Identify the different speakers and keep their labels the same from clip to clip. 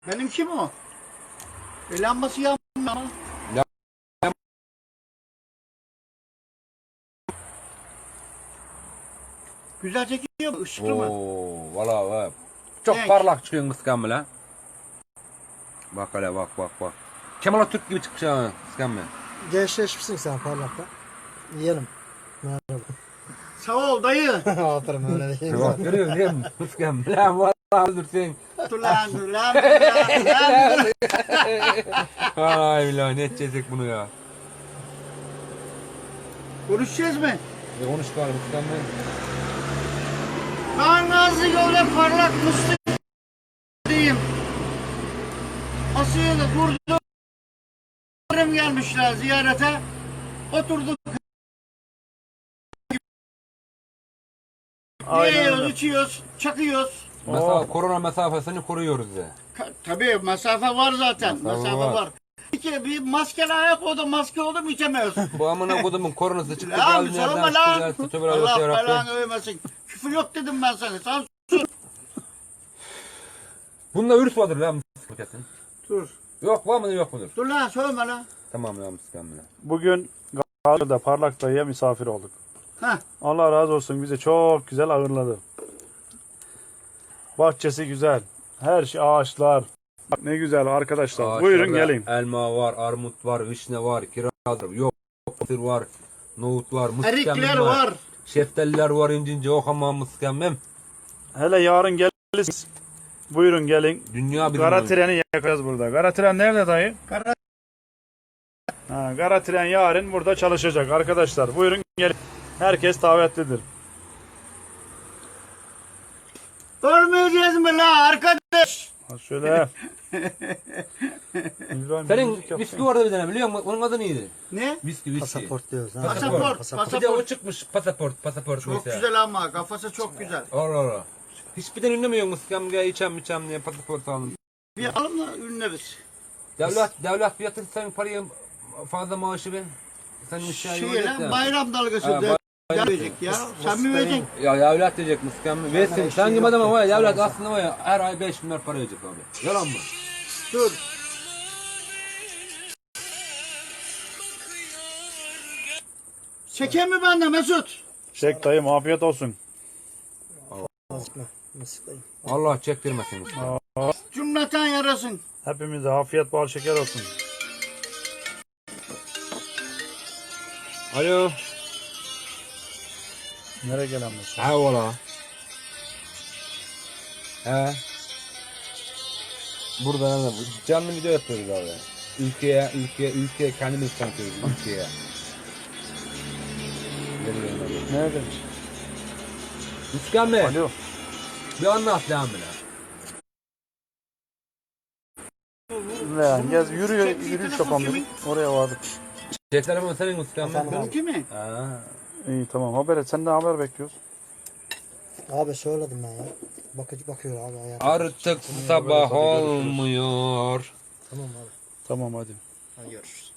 Speaker 1: Benim kim o? Lambası yanmıyor. Güzel çekiyor mu? Işıklı mı?
Speaker 2: Oo, valla çok
Speaker 1: Renk.
Speaker 2: parlak çıkıyorsun kıskan bile. Bak hele bak. Kemal Atatürk gibi çıkmış ha kıskan bile.
Speaker 3: Gençleşmişsin sen parlakta. Yiyelim. Merhaba.
Speaker 1: Sağ ol dayı.
Speaker 3: Aferin öyle değil.
Speaker 2: Bak görüyorsun değil mi kıskan bile. Valla öldürsün.
Speaker 1: Dur lan.
Speaker 2: Ay billahi ne edecek bunu ya.
Speaker 1: Konuşacağız mı?
Speaker 2: Konuş bari kıskan bile.
Speaker 1: Ben Nazlı öyle parlak mıstık diyeyim. Asya'da durdum. Gelmişler ziyarete. Oturduk. Yiyoruz, içiyoruz, çakıyoruz.
Speaker 2: Mesela korona mesafesini koruyoruz ya.
Speaker 1: Tabii mesafe var zaten.
Speaker 2: Mesafe
Speaker 1: Mesafe
Speaker 2: var.
Speaker 1: var. Bir maskeli ayak oldu, maske oldu mu içemiyoruz.
Speaker 2: Bu amına kodumun koronası çıktı.
Speaker 1: Lan
Speaker 2: geldi
Speaker 1: sorma
Speaker 2: nereden
Speaker 1: lan.
Speaker 2: çıktı, tövbe
Speaker 1: Allah
Speaker 2: yarabbim.
Speaker 1: belanı övmesin. Küfür yok dedim ben sana. Sen
Speaker 2: Bunda virüs vardır lan kesin.
Speaker 1: dur.
Speaker 2: Yok var mıdır yok mudur?
Speaker 1: Dur lan söyleme lan.
Speaker 2: Tamam ya kıskan bile.
Speaker 4: Bugün Gazi'de Parlak Dayı'ya misafir olduk.
Speaker 1: Heh.
Speaker 4: Allah razı olsun, bizi çok güzel ağırladı. Bahçesi güzel. Her şey ağaçlar. Bak ne güzel arkadaşlar.
Speaker 2: Ağaçlarda
Speaker 4: Buyurun gelin.
Speaker 2: Elma var, armut var, vişne var, kiraz var, yok, mısır var, nohut var, mısır
Speaker 1: Erikler var.
Speaker 2: şeftaliler var, incince o hamam mıskemmem.
Speaker 4: Hele yarın gelirsiniz. Buyurun gelin.
Speaker 2: Dünya bir
Speaker 4: Kara treni yakacağız burada. Kara tren nerede dayı? Kara tren yarın burada çalışacak arkadaşlar. Buyurun gelin. Herkes davetlidir.
Speaker 1: Ölmeyeceğiz mi la arkadaş?
Speaker 4: Ha şöyle. İbrahim,
Speaker 2: Senin
Speaker 4: müzik yapsana.
Speaker 2: viski vardı bir tane biliyor musun? Onun adı neydi?
Speaker 1: Ne?
Speaker 2: Viski.
Speaker 3: Pasaport diyoruz. Ha.
Speaker 1: Pasaport.
Speaker 2: Bir de o çıkmış pasaport
Speaker 1: Çok
Speaker 2: mesela.
Speaker 1: güzel ama kafası çok güzel.
Speaker 2: Allah. Hiçbir tane ünlemiyor muskam gel içem diye pasaport alın.
Speaker 1: Bir alalım da ünleriz.
Speaker 2: Devlet fiyatı sen parayı fazla maaşı ben. Sen müşteri
Speaker 1: Şey lan bayram dalgası
Speaker 2: Ha,
Speaker 1: de verecek ya. Sen mi vereceksin?
Speaker 2: Ya devlet diyecek muskam. Versin. Sen gibi adama var ya devlet aslında var ya her ay 5 milyar para verecek abi. Yalan mı?
Speaker 1: Dur. Çeken mi bende Mesut?
Speaker 4: Çek dayım, afiyet olsun.
Speaker 3: Mısıklayın.
Speaker 2: Allah çektirmesin muskam.
Speaker 1: Cümleten yarasın.
Speaker 4: Hepimize afiyet bal şeker olsun.
Speaker 2: Alo.
Speaker 4: Nereye gelen bu?
Speaker 2: Ha valla. He. Burada ne bu? Canlı video yapıyoruz abi. Ülkeye kendimiz tanıtıyoruz ülkeye.
Speaker 4: Nerede?
Speaker 2: Müskam Bey.
Speaker 4: Alo.
Speaker 2: Bir anlat lan bile.
Speaker 4: Ne? Gez yürüyüş yapalım dedik. Oraya vardık.
Speaker 2: Şey telefon senin Müskam Bey.
Speaker 1: Benimki mi?
Speaker 2: Ha.
Speaker 4: İyi tamam, haber et. Senden haber bekliyoruz.
Speaker 3: Abi söyledim ben ya. Bakıyor abi hayatım.
Speaker 2: Artık sabah olmuyor.
Speaker 3: Tamam abi.
Speaker 4: Tamam hadi.
Speaker 3: Hadi görüşürüz.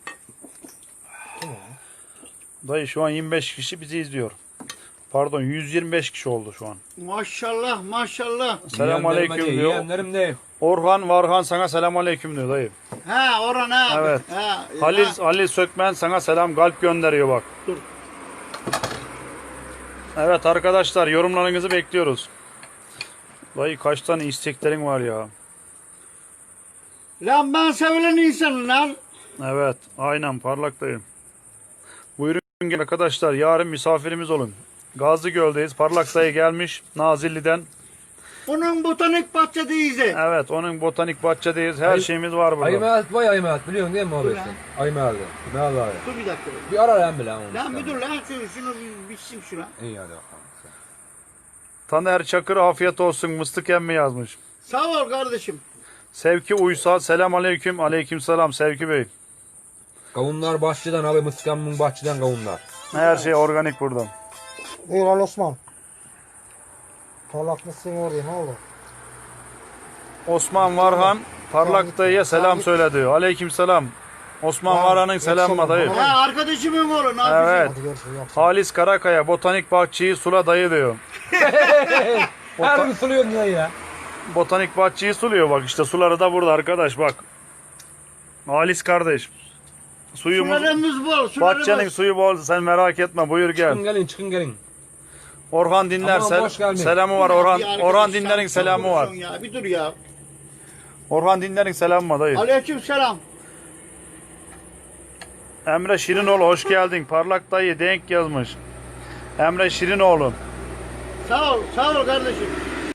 Speaker 4: Dayı şu an 25 kişi bizi izliyor. Pardon, 125 kişi oldu şu an.
Speaker 1: Maşallah maşallah.
Speaker 4: Selamünaleyküm diyor.
Speaker 2: Yeğenlerim de.
Speaker 4: Orhan Varhan sana selamünaleyküm diyor dayı.
Speaker 1: Ha Orhan abi.
Speaker 4: Evet.
Speaker 1: Ha,
Speaker 4: Halil Sökmen sana selam kalp gönderiyor bak.
Speaker 1: Dur.
Speaker 4: Evet arkadaşlar, yorumlarınızı bekliyoruz. Dayı kaç tane isteklerin var ya.
Speaker 1: Lan ben sevilen insanım lan.
Speaker 4: Evet aynen parlak dayı. Buyurun gelin arkadaşlar, yarın misafirimiz olun. Gazlıgöl'deyiz. Parlak dayı gelmiş Nazilli'den.
Speaker 1: Onun botanik bahçedeyiz de.
Speaker 4: Evet, onun botanik bahçedeyiz. Her şeyimiz var burada.
Speaker 2: Aymehat vay Aymehat biliyorsun değil mi abi sen? Aymehat'ı. Ne Allah
Speaker 1: Dur bir dakika.
Speaker 2: Bir ara lan bile onu.
Speaker 1: Lan bir dur lan şunu bir bitsin şuna.
Speaker 2: İyi hadi bakalım.
Speaker 4: Taner Çakır afiyet olsun, mıstık emmi yazmış.
Speaker 1: Sağ ol kardeşim.
Speaker 4: Sevki Uysal selam aleyküm. Aleyküm selam Sevki Bey.
Speaker 2: Kavunlar bahçeden abi Mıskam'ın bahçeden kavunlar.
Speaker 4: Her şey organik burada.
Speaker 3: Buyur Ali Osman. Parlak mısın oraya ne olur?
Speaker 4: Osman Varhan parlak dayıya selam söyle diyor. Aleyküm selam. Osman Varhan'ın selamı dayı.
Speaker 1: Ha arkadaşımın oğlu ne
Speaker 4: Evet.
Speaker 1: yapıyorsun?
Speaker 3: Hadi görüşürüz. Yok.
Speaker 4: Halis Karakaya botanik bahçeyi sula dayı diyor.
Speaker 2: Her gün suluyorsun lan ya.
Speaker 4: botanik bahçeyi suluyor bak işte suları da burada arkadaş bak. Halis kardeş. Suyumuz
Speaker 1: Sularımız bol.
Speaker 4: bahçenin suyu bol sen merak etme buyur gel.
Speaker 2: Çıkın gelin çıkın gelin.
Speaker 4: Orhan dinler
Speaker 2: Aman boş gelmeyin.
Speaker 4: selamı var Orhan. Orhan dinlerin selamı var.
Speaker 1: Ya, bir dur ya.
Speaker 4: Orhan dinlerin selamı var dayı.
Speaker 1: Aleyküm selam.
Speaker 4: Emre Şirinoğlu hoş geldin. Parlak dayı denk yazmış. Emre Şirinoğlu.
Speaker 1: Sağ ol kardeşim.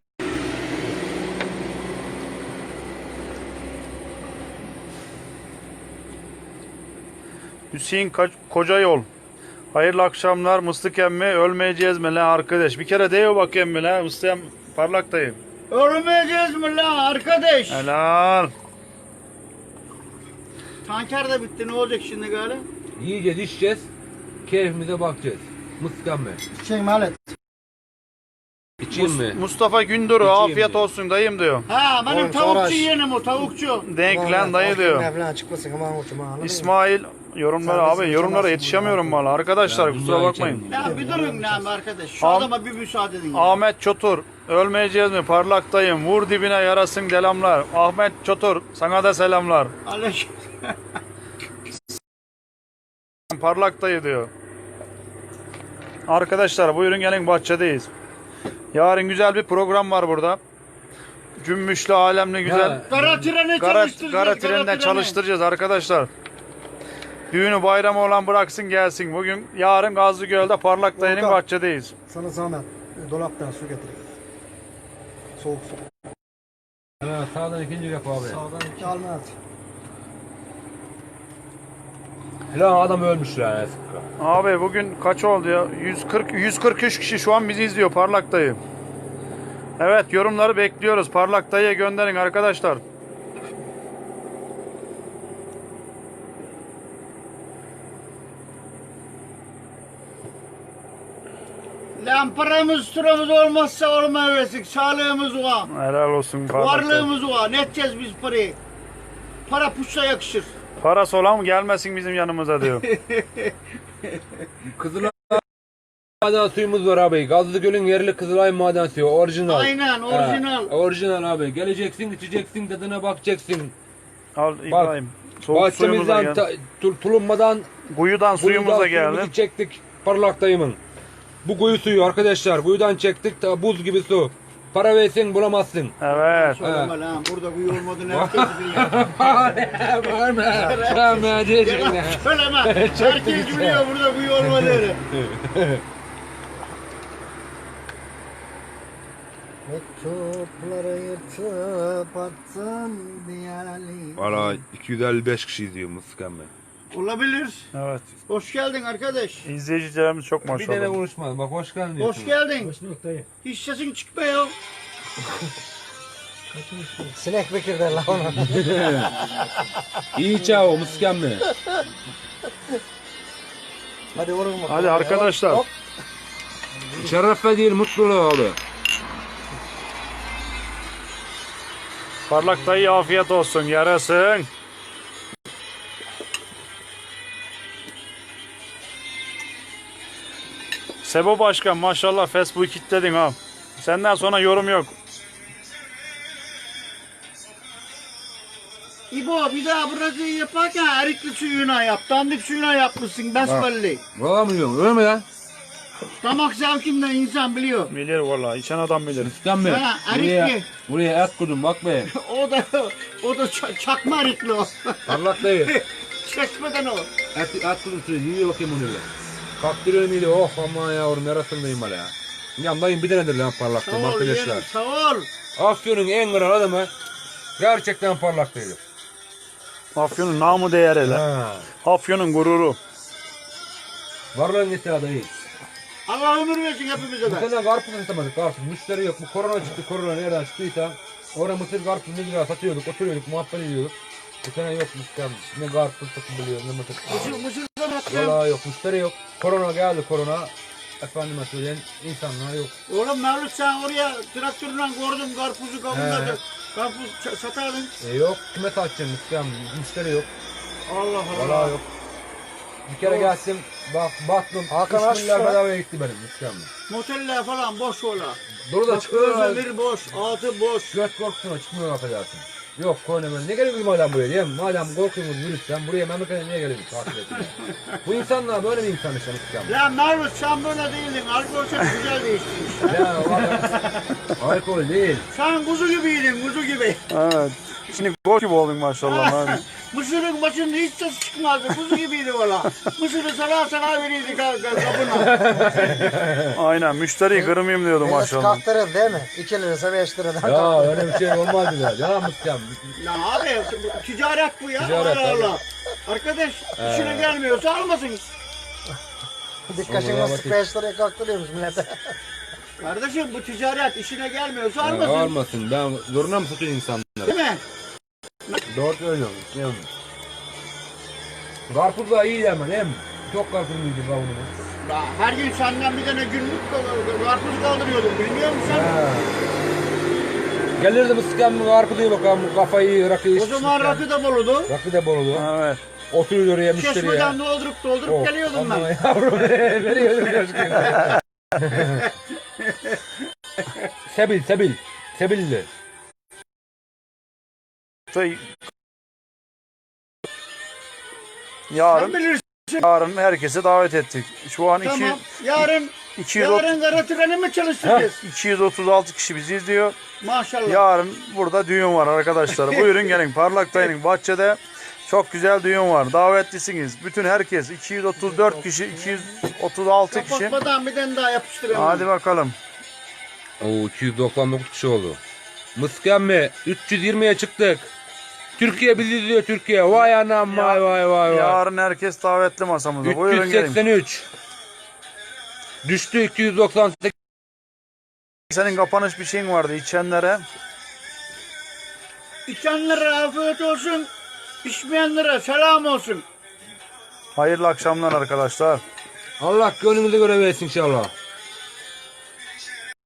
Speaker 4: Hüseyin Kocayol. Hayırlı akşamlar Mıstık emmi ölmeyeceğiz mi lan arkadaş? Bir kere deyiyor bak emmi lan Mıstık Parlak dayı.
Speaker 1: Ölmeyeceğiz mi lan arkadaş?
Speaker 4: Helal.
Speaker 1: Tanker de bitti, ne olacak şimdi galiba?
Speaker 2: Yiyeceğiz içeceğiz. Keyfimize bakacağız. Mıskan mı?
Speaker 3: Şey Malet.
Speaker 2: İçeyim mi?
Speaker 4: Mustafa Gündür'ü
Speaker 2: İçeyim
Speaker 4: afiyet
Speaker 2: mi?
Speaker 4: olsun dayım diyor.
Speaker 1: Ha benim
Speaker 3: Oy,
Speaker 1: tavukçu
Speaker 3: Faraş.
Speaker 1: yeğenim o tavukçu.
Speaker 4: Denk lan dayı diyor.
Speaker 3: Falan çıkmasın ama uçma. anladın mı?
Speaker 4: İsmail yorumlara abi yorumlara yetişemiyorum valla arkadaşlar
Speaker 2: Ya,
Speaker 4: kusura
Speaker 2: dünya
Speaker 4: bakmayın.
Speaker 2: içelim.
Speaker 1: Ya bir durun lan arkadaş. Şu
Speaker 4: Am-
Speaker 1: adama bir müsaade edin. ya.
Speaker 4: Ahmet Çotur ölmeyeceğiz mi parlak dayım vur dibine yarasın delamlar. Ahmet Çotur sana da selamlar.
Speaker 1: Aleyküm.
Speaker 4: Parlak dayı diyor. Arkadaşlar buyurun gelin bahçedeyiz. Yarın güzel bir program var burada. Cümbüşlü alemli güzel.
Speaker 2: Ha.
Speaker 1: Kara treni
Speaker 4: Gara
Speaker 1: çalıştıracağız.
Speaker 4: trenden çalıştıracağız arkadaşlar. Düğünü bayramı olan bıraksın gelsin. Bugün yarın Gazlıgöl'de Parlak dayının
Speaker 3: Volkan.
Speaker 4: bahçedeyiz.
Speaker 3: Sana zahmet. Dolaptan su getir. Soğuk su.
Speaker 2: Ha, sağdan ikinci yap abi.
Speaker 3: Sağdan 2 alma at.
Speaker 2: Lan adam ölmüş lan.
Speaker 4: Abi bugün kaç oldu ya? 143 kişi şu an bizi izliyor Parlak dayı. Evet yorumları bekliyoruz. Parlak dayıya gönderin arkadaşlar.
Speaker 1: Lan paramız sıramız olmazsa olmayacak. Sağlığımız var.
Speaker 4: Helal olsun Parlak dayı.
Speaker 1: Varlığımız var. Ne edeceğiz biz parayı? Para puşa yakışır.
Speaker 4: Parası olan gelmesin bizim yanımıza diyor.
Speaker 2: Kızılay maden suyumuz var abi. Gazlıgöl'ün yerli Kızılay maden suyu. Orijinal.
Speaker 1: Aynen, orijinal.
Speaker 2: Ha, orijinal abi. Geleceksin, içeceksin, tadına bakacaksın.
Speaker 4: Al İbrahim. Soğuk suyumuz da
Speaker 2: Bahçemizden
Speaker 4: geldi.
Speaker 2: tulummadan
Speaker 4: Kuyudan suyumuz da geldi.
Speaker 2: suyumuzu çektik. Parlak dayımın. Bu kuyu suyu arkadaşlar. Kuyudan çektik. Ta buz gibi su. Para versin bulamazsın.
Speaker 4: Evet.
Speaker 1: Söyleme lan. Burada kuyu olmadığını herkes biliyor.
Speaker 2: Var mı? Var diyecekler.
Speaker 1: Söyleme. Herkes biliyor burada kuyu olmadığını.
Speaker 3: Mektupları yırtıp attım diyali.
Speaker 2: Valla 255 kişi izliyor Mıskan Bey.
Speaker 1: Olabilir.
Speaker 4: Evet.
Speaker 1: Hoş geldin arkadaş.
Speaker 4: İzleyicilerimiz çok
Speaker 2: Bir tane
Speaker 4: maşallah.
Speaker 2: konuşmadım. Bak hoş geldin diyorsun.
Speaker 1: Hoş geldin.
Speaker 3: Hoş bulduk dayı.
Speaker 1: Hiç sesin çıkmıyor.
Speaker 3: Sinek Bekir der la ona.
Speaker 2: İyi çao Mıskan Bey.
Speaker 3: Hadi vurun bakalım.
Speaker 4: Hadi arkadaşlar.
Speaker 3: Hop.
Speaker 2: Şerefe değil mutluluğu abi.
Speaker 4: Parlak dayı afiyet olsun. Yarasın. Sebo Başkan maşallah Facebook'u kilitledin ha. Senden sonra yorum yok.
Speaker 1: İbo bir daha burası yaparken erikli suyuna yap. Dandik suyuna yapmışsın besbelli.
Speaker 2: Valla mı diyorsun? Öyle mi lan?
Speaker 1: Damak zevkimden insan biliyor.
Speaker 4: Bilir vallahi. İçen adam bilir.
Speaker 2: Mıskan Bey.
Speaker 1: Ha,
Speaker 2: Buraya,
Speaker 1: erikli.
Speaker 2: buraya et kurdum bak be.
Speaker 1: o da çakma erikli o.
Speaker 2: Parlak dayı.
Speaker 1: Çekmeden o.
Speaker 2: Et kurdum şöyle yiyor bakayım onu bile. Kaktırıyorum iyiydi. Oh aman yavrum yarasındayım hala ya. Yandayım bir tanedir lan parlak
Speaker 1: Sağ
Speaker 2: dayı
Speaker 1: ol yeğenim,
Speaker 2: arkadaşlar.
Speaker 1: sağ ol.
Speaker 2: Afyon'un en kral adamı gerçekten parlak dayı.
Speaker 4: Afyon'un namı değer hele.
Speaker 2: Ha.
Speaker 4: Afyon'un gururu.
Speaker 2: Varlığın gitti adayı.
Speaker 1: Allah ömür versin hepimize
Speaker 2: Bu
Speaker 1: de.
Speaker 2: sene karpuz satamadık karpuz. Müşteri yok. Bu korona çıktı. Korona nereden çıktıysa orada mısır karpuz ne lira satıyorduk. Oturuyorduk muhabbet ediyorduk. Bu sene yok müşteri. Ne karpuz satılıyor ne mısır.
Speaker 1: Mısır'dan attım.
Speaker 2: Valla yok müşteri yok. Korona geldi korona. Efendime söyleyin insanlar yok.
Speaker 1: Oğlum Mevlüt sen oraya traktörle gördüm karpuzu kavunladı. Karpuz satardın.
Speaker 2: Yok kime satacaksın müşteri yok.
Speaker 1: Allah Allah.
Speaker 2: Valla yok. Bir kere geldim, baktım,
Speaker 3: Hakan
Speaker 2: 3
Speaker 3: aç
Speaker 2: milyar
Speaker 3: şu.
Speaker 2: bedavaya gitti benim mükemmel.
Speaker 1: Moteller falan boş ola.
Speaker 2: Dolu da
Speaker 1: Bak
Speaker 2: çıkıyorlar.
Speaker 1: Özdemir boş, altı boş.
Speaker 2: Göt korkusuna çıkmıyor affedersin. Yok koyun ne geliyorsunuz madem buraya değil mi? Madem korkuyorsunuz virüsten buraya memlekete niye geliyorsunuz? Takip edin. Bu insanlar böyle bir insan işte mükemmel.
Speaker 1: Ya Mervut sen böyle değildin. Alkol seni güzel değiştin işte.
Speaker 2: Ya o adam alkol değil.
Speaker 1: Sen kuzu gibiydin, kuzu gibi.
Speaker 4: Evet. Şimdi gol gibi oldun maşallah. abi.
Speaker 1: Mısır'ın başında hiç ses çıkmazdı. Kuzu gibiydi valla. Mısır'ı sana verirdik kapına.
Speaker 4: Aynen müşteriyi kırmayayım diyordu
Speaker 3: Millet
Speaker 4: maşallah.
Speaker 3: kalktırır değil mi? 2 lirası 5 liradan
Speaker 2: Ya
Speaker 3: kalktırır.
Speaker 2: öyle bir şey olmaz bile. Ya mükemmel.
Speaker 1: Ya abi ticaret bu ya.
Speaker 2: Ticaret,
Speaker 1: Allah
Speaker 2: tabii.
Speaker 1: Allah. Arkadaş işine gelmiyorsa almasın.
Speaker 3: Dikkaşın
Speaker 2: Sonra
Speaker 3: nasıl 5 liraya kalktırıyormuş millete.
Speaker 1: Kardeşim bu ticaret işine gelmiyorsa
Speaker 2: Ya,
Speaker 1: almasın.
Speaker 2: olmasın. Ben zoruna mı satıyorsun insanlara?
Speaker 1: Değil mi?
Speaker 2: Doğru söylüyorum. Değil mi? Karpuz da iyi hemen değil mi? Çok karpuz yiydi kavunumuz.
Speaker 1: Ya her gün senden bir tane günlük karpuz kaldırıyordum. Bilmiyor musun sen?
Speaker 2: Gelirdi mısıkken mi karpuzu bakalım kafayı rakıyı
Speaker 1: O zaman rakı da boludu.
Speaker 2: Rakı da bolulu.
Speaker 4: Evet.
Speaker 2: Oturuyor oraya müşteriye.
Speaker 1: Çeşmeden doldurup
Speaker 2: Oh,
Speaker 1: geliyordum
Speaker 2: aman
Speaker 1: ben.
Speaker 2: Yavrum veriyordum coşkuyu. Sebil. Sebilli.
Speaker 4: Şey,
Speaker 1: Sen
Speaker 4: yarın
Speaker 1: bilirsin.
Speaker 4: herkese davet ettik. Şu an
Speaker 1: Tamam. Yarın
Speaker 4: 230
Speaker 1: kara treni mi çalışacağız?
Speaker 4: 236 kişi bizi izliyor.
Speaker 1: Maşallah.
Speaker 4: Yarın burada düğün var arkadaşlar. Buyurun gelin. Parlak Dayı'nın bahçede çok güzel düğün var. Davetlisiniz. Bütün herkes 234 kişi, 236 kişi.
Speaker 1: Kapatmadan bir tane daha yapıştıralım.
Speaker 4: Hadi bakalım.
Speaker 2: Oo 299 kişi oldu. Mıskenme 320'ye çıktık. Türkiye bizi izliyor Türkiye. Vay anam vay.
Speaker 4: Yarın herkes davetli masamıza. Buyurun gelin.
Speaker 2: 383. Düştü 298.
Speaker 4: Senin kapanış bir şeyin vardı içenlere.
Speaker 1: İçenlere afiyet olsun. İçmeyenlere selam olsun.
Speaker 4: Hayırlı akşamlar arkadaşlar.
Speaker 2: Allah gönlümüze göre versin inşallah.